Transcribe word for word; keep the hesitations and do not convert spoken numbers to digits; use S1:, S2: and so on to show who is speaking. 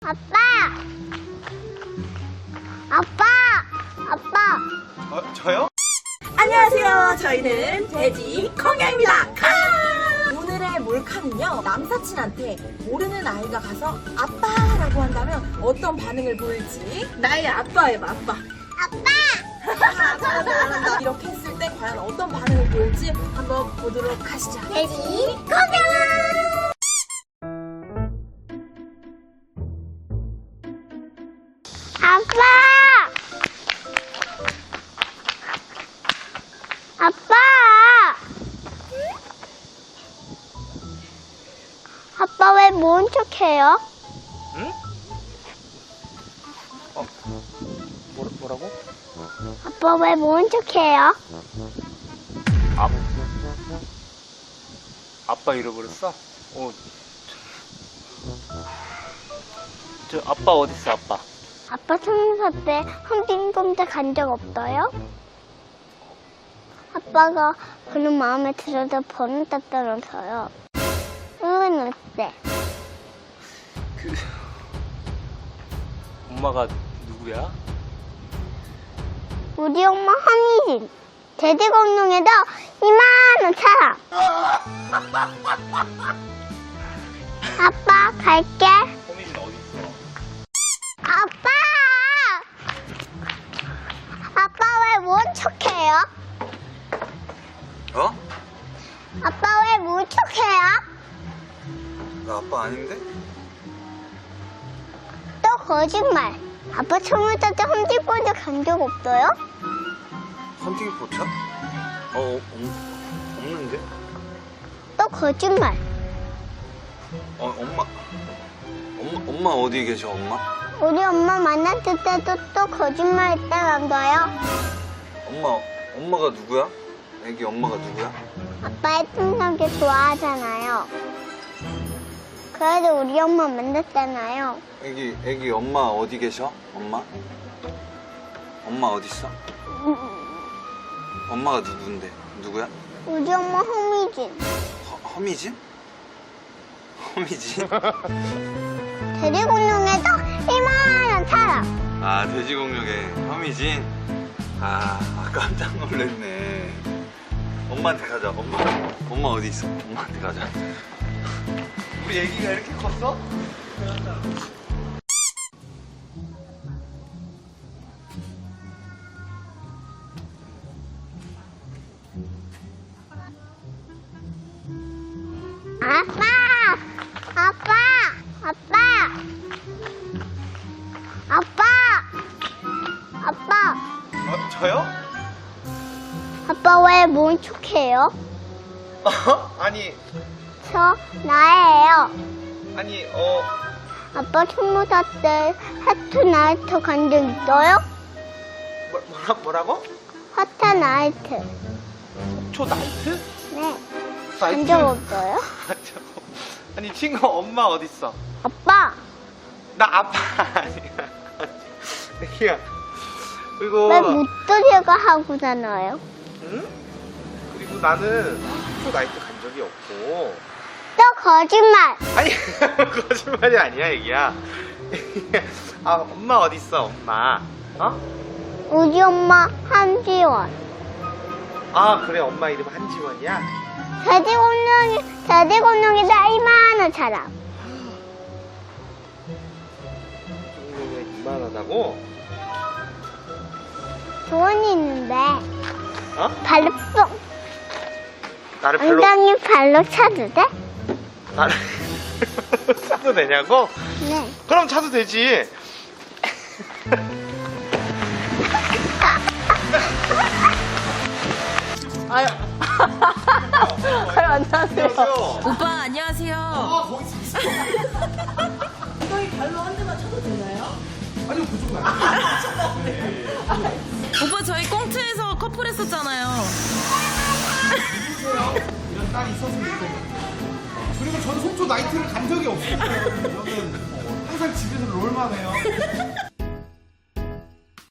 S1: 아빠! 아빠! 아빠!
S2: 어, 저요?
S3: 안녕하세요. 저희는 돼지 콩야입니다. 오늘의 몰카는요, 남사친한테 모르는 아이가 가서 아빠라고 한다면 어떤 반응을 보일지. 나의 아빠예요, 아빠.
S1: 아빠!
S3: 잘한다, 잘한다. 이렇게 했을 때 과연 어떤 반응을 보일지 한번 보도록 하시죠.
S1: 돼지 고경! 아빠! 아빠! 아빠 왜 모른 척해요?
S2: 응? 어, 뭐, 뭐라고?
S1: 아빠 왜 모른 척해요?
S2: 아, 아빠 잃어버렸어? 어, 저, 저 아빠 어딨어, 아빠?
S1: 아빠 성사 때 흠빈검사 간 적 없어요? 아빠가 그런 마음에 들어서 번호 땄다면서요. 응은 어때?
S2: 그, 엄마가 누구야?
S1: 우리 엄마 한희진. 돼지공룡에도 이만한 사람. 아빠 갈게.
S2: 호민이는 어딨어?
S1: 아빠! 아빠 왜 모른 척해요?
S4: 어?
S1: 아빠 왜 모른 척해요?
S4: 나 아빠 아닌데?
S1: 또 거짓말. 아빠 스무 살 때 험지권자 간 적 없어요?
S4: 헌팅 포차? 어, 없, 없는데?
S1: 또 거짓말.
S4: 어, 엄마. 엄마, 엄마 어디 계셔, 엄마?
S1: 우리 엄마 만났을 때도 또 거짓말 했다면서요?
S4: 엄마, 엄마가 누구야? 애기 엄마가 누구야?
S1: 아빠 예쁜 남자 좋아하잖아요. 그래도 우리 엄마 만났잖아요.
S4: 애기, 애기 엄마 어디 계셔? 엄마? 엄마 어딨어? 엄마가 누군데? 누구야?
S1: 우리 엄마 허미진.
S4: 허, 허미진? 허미진?
S1: 돼지공룡에도 이만한 사람.
S4: 아, 돼지공룡의 허미진? 아, 아, 깜짝 놀랐네. 엄마한테 가자, 엄마. 엄마 어디 있어? 엄마한테 가자.
S2: 우리 애기가 이렇게 컸어?
S1: 아빠! 아빠! 아빠! 아빠! 아빠!
S2: 어, 저요?
S1: 아빠 왜 모른 척해요?
S2: 어? 아니,
S1: 저 나예요.
S2: 아니, 어,
S1: 아빠 스무 살 때 하트 나이트 간 적 있어요?
S2: 뭐, 뭐라, 뭐라고?
S1: 하트 나이트.
S2: 초 나이트?
S1: 네. 간 적 없어요?
S2: 아, 저, 아니, 친구 엄마 어딨어?
S1: 아빠!
S2: 나 아빠 아니야. 애기야. 그리고,
S1: 왜 못들이가 하고잖아요?
S2: 응? 그리고 나는 초 나이트 간 적이 없고.
S1: 또 거짓말!
S2: 아니, 거짓말이 아니야, 애기야. 아, 엄마 어딨어, 엄마? 어?
S1: 우리 엄마 한지원.
S2: 아, 그래, 엄마 이름 한지원이야?
S1: 돼지공룡이, 돼지공룡이다 이만한 사람.
S2: 공룡이 이만하다고?
S1: 조언이 있는데,
S2: 어?
S1: 발로 뿅.
S2: 나를 별로,
S1: 엉덩이 발로 차도 돼?
S2: 나를 차도 되냐고?
S1: 네.
S2: 그럼 차도 되지.
S3: 아유. 아유, 안녕하세요.
S2: 안녕하세요.
S3: 오빠, 안녕하세요.
S2: 아, 거기 있어.
S3: 엉덩이 발로 한 대만 쳐도 되나요?
S2: 아니요, 그쪽은 아니에요.
S3: 오빠, 저희 꽁트에서 커플 했었잖아요.
S5: 이런 딸이 있었으면 좋겠는데. 그리고 저는 속초 나이트를 간 적이 없어요. 저는 항상 집에서 롤만 해요.